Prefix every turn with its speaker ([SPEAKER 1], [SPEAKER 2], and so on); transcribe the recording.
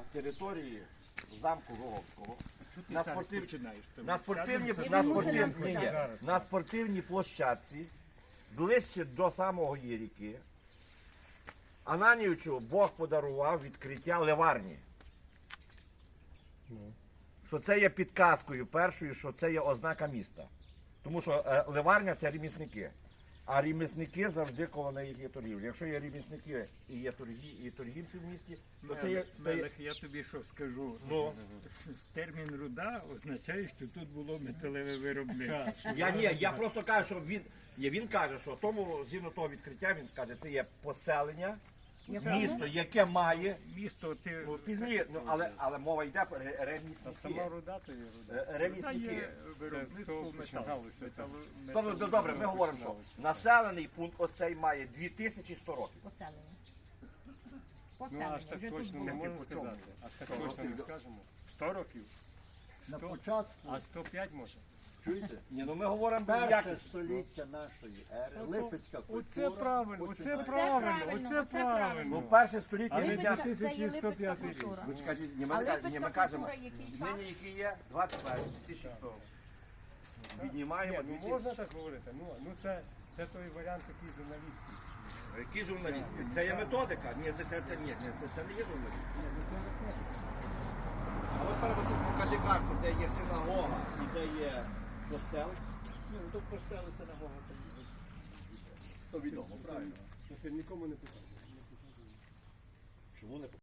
[SPEAKER 1] території замку Роговського.
[SPEAKER 2] Ти
[SPEAKER 1] На
[SPEAKER 2] зараз
[SPEAKER 1] спортив-
[SPEAKER 2] починаєш.
[SPEAKER 1] На спортивній площадці, ближче до самої ріки, Ананівичу Бог подарував відкриття ливарні. Що це є підказкою першою, що це є ознака міста. Тому що ливарня це ремісники. А ремісники завжди коло них є торгівля. Якщо є ремісники і є торгівці в місті, то це є...
[SPEAKER 2] Мелех, я тобі що скажу.
[SPEAKER 1] Ну.
[SPEAKER 2] Термін руда означає, що тут було металеве виробництво.
[SPEAKER 1] Я просто кажу, що він каже, що тому, згідно того відкриття, він каже, це є поселення, місто, яке має...
[SPEAKER 2] Місто ти...
[SPEAKER 1] Пізніше, але мова йде про ремісники.
[SPEAKER 3] Сама руда то є руда.
[SPEAKER 1] Ремісники.
[SPEAKER 2] Виробництво
[SPEAKER 3] починалося.
[SPEAKER 1] Тобто, добре, ми говоримо, що населений пункт оцей має 2100 років.
[SPEAKER 4] Поселення.
[SPEAKER 3] Ну
[SPEAKER 4] Поселення,
[SPEAKER 3] аж так
[SPEAKER 4] вже тут
[SPEAKER 3] точно
[SPEAKER 4] було.
[SPEAKER 3] не можна сказати. Аж так точно не скажемо. 100 років?
[SPEAKER 5] На
[SPEAKER 3] 100?
[SPEAKER 5] початку,
[SPEAKER 3] А 105 може?
[SPEAKER 5] чуєте?
[SPEAKER 1] Ні, ну ми говоримо
[SPEAKER 5] Перше
[SPEAKER 1] як...
[SPEAKER 5] століття нашої ери, Липецька культура.
[SPEAKER 3] Оце правильно, оце
[SPEAKER 5] починається.
[SPEAKER 3] правильно, оце
[SPEAKER 4] Оце правильно.
[SPEAKER 3] правильно.
[SPEAKER 1] Ну, перше століття
[SPEAKER 4] А
[SPEAKER 1] ми
[SPEAKER 4] Липецька,
[SPEAKER 1] йдемо...
[SPEAKER 4] це є
[SPEAKER 3] 1105
[SPEAKER 4] Липецька
[SPEAKER 3] рік.
[SPEAKER 4] культура.
[SPEAKER 1] Ви чекайте,
[SPEAKER 4] А
[SPEAKER 1] ми кажемо,
[SPEAKER 4] Липецька культура який час?
[SPEAKER 1] нині який є 2100. Віднімаємо
[SPEAKER 3] Ні, ну
[SPEAKER 1] 2000.
[SPEAKER 3] можна так говорити. Ну це той варіант такий журналістський.
[SPEAKER 1] Які журналісти? Це є методика? Ні, це не є журналістика. А от тепер Василь, покажи карту, де є синагога і де є костел.
[SPEAKER 5] Ні, ну то костел і синагога. То відомо, правильно.
[SPEAKER 3] Нікому не питання.
[SPEAKER 1] Чому не